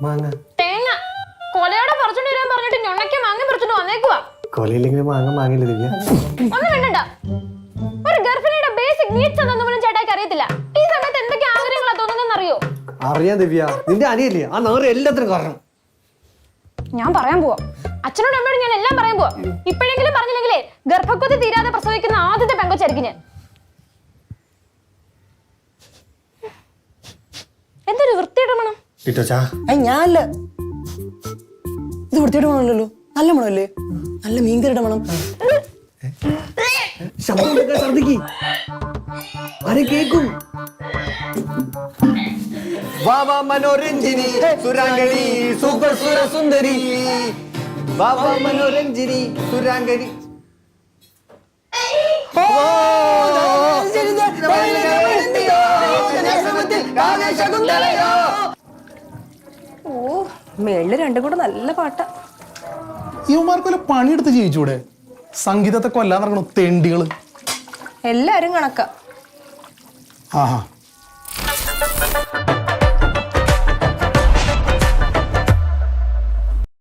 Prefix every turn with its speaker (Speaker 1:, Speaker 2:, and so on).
Speaker 1: മാങ്ങ
Speaker 2: തേങ്ങ കൊലയോടെ പറിച്ചോണ്ട് വരാൻ പറഞ്ഞിട്ട് ഞൊണ്ണയ്ക്ക് മാങ്ങ പറിച്ചോണ്ട് വന്നേക്കുവാ.
Speaker 1: കൊലയില്ലെങ്കിൽ മാങ്ങ മാങ്ങില്ല ദിവ്യ.
Speaker 2: ഒന്നും വേണ്ടണ്ട. ഒരു ഗർഭിണിയുടെ ബേസിക് നീഡ്സ് എന്താണെന്ന് പോലും ചേട്ടായിക്ക് അറിയത്തില്ല. ഈ സമയത്ത് എന്തൊക്കെ ആഗ്രഹങ്ങളാ തോന്നുന്നതെന്ന് അറിയോ?
Speaker 1: അറിയാം ദിവ്യ, നിന്റെ അനിയല്ലേ ആ നേരെ എല്ലാത്തിനും കാരണം.
Speaker 2: ഞാൻ പറയാൻ പോവാ. അച്ഛനോടും അമ്മയോടും ഞാൻ എല്ലാം പറയാൻ പോവാ. ഇപ്പോഴെങ്കിലും പറഞ്ഞില്ലെങ്കിലേ ഗർഭക്കൊതി തീരാതെ പ്രസവിക്കുന്ന ആദ്യത്തെ പെങ്കൊച്ചായിരിക്കും ഞാൻ. എന്തൊരു വൃത്തിയുടെ മണം.
Speaker 3: ഞാനല്ല, ഇത് വൃത്തിയുടെ മണമല്ലല്ലോ, നല്ല മണമല്ലേ, നല്ല മീൻകറിയുടെ മണം.
Speaker 1: കേക്കും. വാവാ മനോരഞ്ജിനി സുരാംഗണി സൂപ്പർ സുര സുന്ദരി. വാവാ മനോരഞ്ജിനി സുരാംഗണി.
Speaker 3: ഓ, മേളില് രണ്ടും കൂടെ നല്ല പാട്ടാ.
Speaker 4: ഇവന്മാർക്കൊല്ല പണിയെടുത്ത് ജീവിച്ചൂടെ? സംഗീതത്തെ കൊല്ലാൻ നടക്കണു തെണ്ടികള്.
Speaker 3: എല്ലാരും കണക്കാ.
Speaker 4: ആഹാ